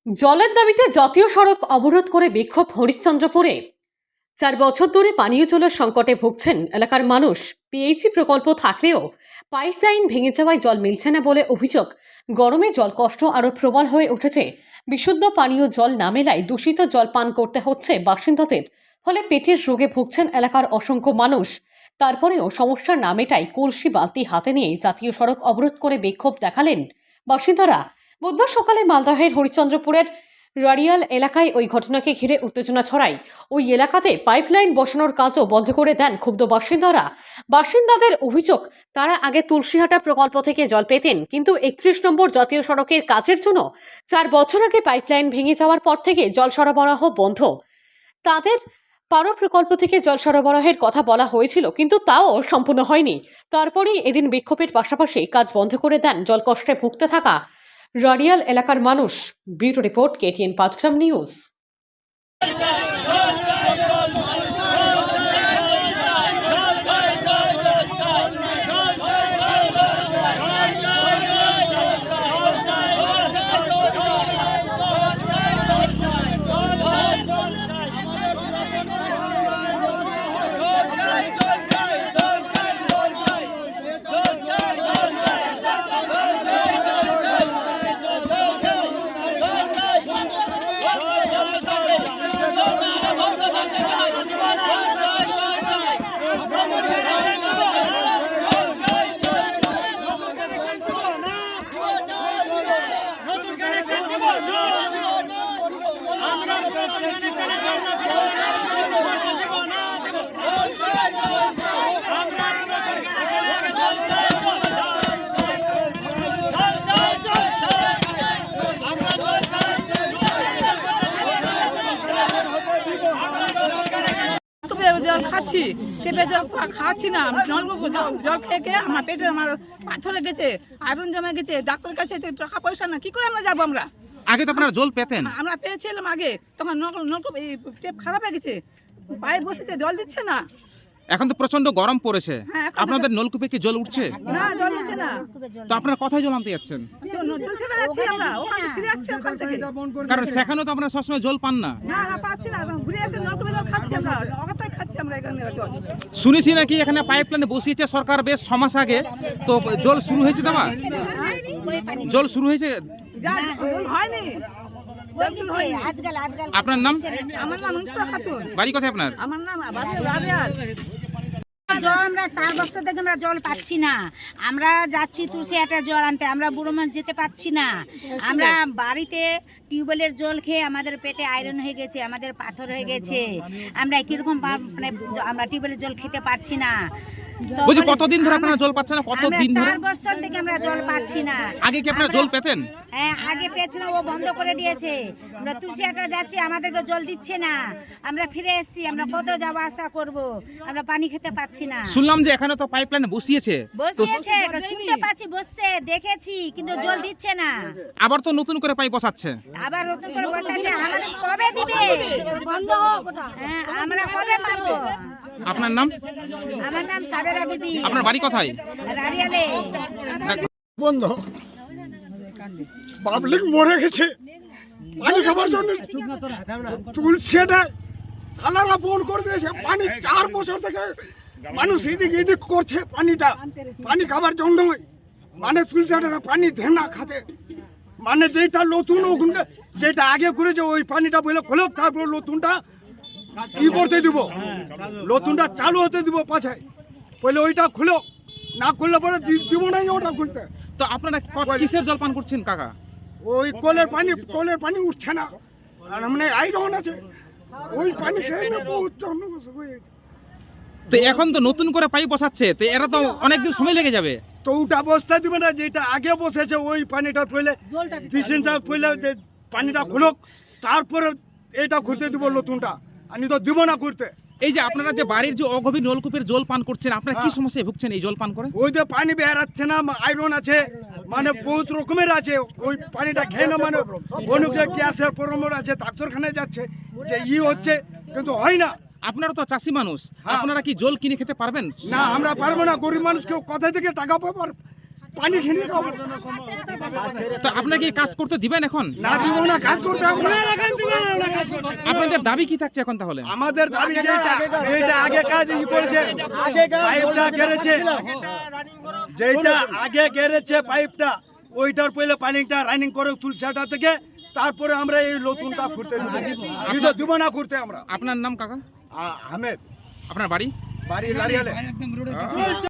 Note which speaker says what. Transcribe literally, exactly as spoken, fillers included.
Speaker 1: জলের দাবিতে জাতীয় সড়ক অবরোধ করে বিক্ষোভ হরিশ্চন্দ্রপুরে। চার বছর ধরে পানীয় জলের সংকটে ভুগছেন এলাকার মানুষ। পিএইচই প্রকল্প থাকলেও পাইপলাইন ভেঙে যাওয়ায় জল মিলছে না বলে অভিযোগ। গরমে জল কষ্ট আরও প্রবল হয়ে উঠেছে। বিশুদ্ধ পানীয় জল না মেলায় দূষিত জল পান করতে হচ্ছে বাসিন্দাদের, ফলে পেটের রোগে ভুগছেন এলাকার অসংখ্য মানুষ। তারপরেও সমস্যা না মেটায় কলসি বালতি হাতে নিয়ে জাতীয় সড়ক অবরোধ করে বিক্ষোভ দেখালেন বাসিন্দারা। বুধবার সকালে মালদহের হরিশ্চন্দ্রপুরের রাড়িয়াল এলাকায় ওই ঘটনাকে ঘিরে উত্তেজনা ছড়ায়। ওই এলাকাতে পাইপলাইন বসানোর কাজও বন্ধ করে দেন ক্ষুব্ধ বাসিন্দারা। বাসিন্দাদের অভিযোগ, তারা আগে তুলসীহাটা প্রকল্প থেকে জল পেতেন, কিন্তু একত্রিশ নম্বর জাতীয় সড়কের কাজের জন্য চার বছর আগে পাইপলাইন ভেঙে যাওয়ার পর থেকে জল সরবরাহ বন্ধ। তাদের পারো প্রকল্প থেকে জল সরবরাহের কথা বলা হয়েছিল, কিন্তু তাও সম্পূর্ণ হয়নি। তারপরেই এদিন বিক্ষোভের পাশাপাশি কাজ বন্ধ করে দেন জল কষ্টে ভুগতে থাকা রাড়িয়াল এলাকার মানুষ। Bureau report, KTN Panchgram news.
Speaker 2: জল খাচ্ছি, চেপে জল খাচ্ছি না, নলকূপ জল খেয়ে খেয়ে আমার পেটে আমার পাথরে গেছে, আয়রন জমে গেছে। ডাক্তারের কাছে টাকা পয়সা না, কি করে আমরা যাবো? আমরা
Speaker 3: আগে তো আপনারা জল পেতেন।
Speaker 2: আমরা পেয়েছিলাম আগে, তখন নলকূপ এই টেপ খারাপ হয়ে গেছে, পাইপ বসেছে, জল দিচ্ছে না।
Speaker 3: এখন তো প্রচন্ড গরম পড়েছে,
Speaker 2: হ্যাঁ,
Speaker 3: আপনাদের নলকূপে কি জল উঠছে?
Speaker 2: না, জল উঠছে না।
Speaker 3: তো আপনারা কোথায় জল আনতে যাচ্ছেন?
Speaker 2: জল ছেড়ে যাচ্ছি আমরা, ওখানে ফিরে আসছি ওখান থেকে।
Speaker 3: কারণ সেখানেও তো আপনারা সবসময় জল পান না।
Speaker 2: না না, পাচ্ছি না, ঘুরে আসে নলকূপে জল খাচ্ছি আমরা, অগাতায় খাচ্ছি আমরা এখানে জল।
Speaker 3: শুনেছি নাকি এখানে পাইপলাইনে বসিয়েছে সরকার বেশ ছ মাস আগে, তো জল শুরু হয়েছে? দেওয়া জল শুরু হয়েছে?
Speaker 2: জল হয়নি।
Speaker 3: আপনার নাম?
Speaker 2: আমার নাম মনসুরা খাতুন।
Speaker 3: বাড়ি কোথায় আপনার?
Speaker 2: আমার নাম রাড়িয়াল।
Speaker 4: জল আমরা চার বছর থেকে আমরা জল পাচ্ছি না। আমরা যাচ্ছি তুলসীহাটার জল আনতে, আমরা বুড়ো মানুষ যেতে পাচ্ছি না। আমরা বাড়িতে টিউবওয়েলের জল খেয়ে আমাদের পেটে আয়রন হয়ে গেছে, আমাদের পাথর হয়ে গেছে। আমরা কিরকম মানে আমরা টিউবওয়েলের জল খেতে পারছি না।
Speaker 3: বলছি কতদিন ধরে আপনারা জল পাচ্ছেন না? কতদিন ধরে?
Speaker 4: চার বছর থেকে আমরা জল পাচ্ছি না।
Speaker 3: আগে কি আপনারা জল পেতেন?
Speaker 4: হ্যাঁ, আগে পেয়েছিলাম, ও বন্ধ করে দিয়েছে। আমরা তুলসীহাটা যাচ্ছি, আমাদেরকে জল দিচ্ছে না। আমরা ফিরে এসেছি, আমরা কত যাওয়া আসা করব, আমরা পানি খেতে পাচ্ছি না।
Speaker 3: শুনলাম যে এখানে তো পাইপলাইন বসিয়েছে।
Speaker 4: বসিয়েছে, শুনতে পাচ্ছি, বসছে, দেখেছি, কিন্তু জল দিচ্ছে না।
Speaker 3: আবার তো নতুন করে পাইপ বসাচ্ছে।
Speaker 4: আবার নতুন করে বসাচ্ছে, আমাদের কবে দিবে? বন্ধ হোক। হ্যাঁ, আমরা কবে পাবো?
Speaker 3: আপনার নাম?
Speaker 4: আমার নাম সাবেরা বিবি।
Speaker 3: আপনার বাড়ি কোথায়?
Speaker 4: রাড়িয়ালে।
Speaker 5: বন্ধ, পাবলিক মরে গেছে পানি খাবার জন্য। তুলসীটা সালারা বন্ধ করে দিয়েছে পানি। চার বছর থেকে মানুষ এদিক এদিক করছে পানিটা, পানি খাবার জন্য। মানে তুলসীটা পানি ধেনা খাতে, মানে যেটা নতুন ওখানে যেটা আগে করেছে ওই পানিটা বলে খোলো, তারপর নতুনটা কি করতে দিব, নতুনটা চালু হতে দিব পাছায়। বলে ওইটা খুলো, না খুললে পরে দিব না ওটা খুলতে।
Speaker 3: তো আপনারা কিসের জল পান করছেন কাকা?
Speaker 5: ওই কলের পানি, কলের পানি উঠছে না, আর মানে আয়রন আছে, ওই পানি খেয়ে না বহুত জনবসত হয়ে গেছে।
Speaker 3: তো এখন তো নতুন করে পাইপ বসাচ্ছে, তো এরা তো অনেকদিন সময় লেগে যাবে।
Speaker 5: তো ওটা বসতে দিবে না, যেটা আগে বসেছে ওই পানিটা পড়লে ডিসেন্সটা পড়লে যে পানিটা খুলুক, তারপরে এটা খুলতে দিব নতুনটা, আমি তো দিব না করতে।
Speaker 3: এই যে আপনারা যে বাড়ির যে অগভীর নলকূপের জল পান করছেন, আপনারা কি সমস্যায় ভুগছেন এই জল পান করে?
Speaker 5: ওই যে পানি বেরাচ্ছে না, আয়রন আছে, মানে বহুত রকমের আছে। ওই পানিটা খেয়ে না মানে অনেক যে গ্যাসের প্রবলেম আছে, ডাক্তারখানায় যাচ্ছে, যে ই হচ্ছে, কিন্তু হয় না।
Speaker 3: আপনারা তো চাষি মানুষ, আপনারা কি জল কিনে খেতে পারবেন?
Speaker 5: না, আমরা পারবো না। গরিব মানুষ কেউ কোথা থেকে টাকা পাবো? পানি খেয়ে খাবো।
Speaker 3: তো আপনাকে এই কাজ করতে দিবেন এখন?
Speaker 5: না দিব না, কাজ করতে হবে না।
Speaker 3: আপনাদের দাবি কি থাকছে এখন তাহলে?
Speaker 5: আমাদের দাবি যেটা যেটা আগে কাজ ই করেছে, পাইপটা গেড়েছে, যেটা আগে গেড়েছে পাইপটা, ওইটার পরে পানিটা রানিং করে তুলসাটা থেকে, তারপরে আমরা এই নতুনটা করতে দিব দিব না করতে আমরা।
Speaker 3: আপনার নাম কাকা?
Speaker 5: আ- আহমেদ,
Speaker 3: আপনার বাড়ি?
Speaker 5: বাড়ি লারিয়ালে।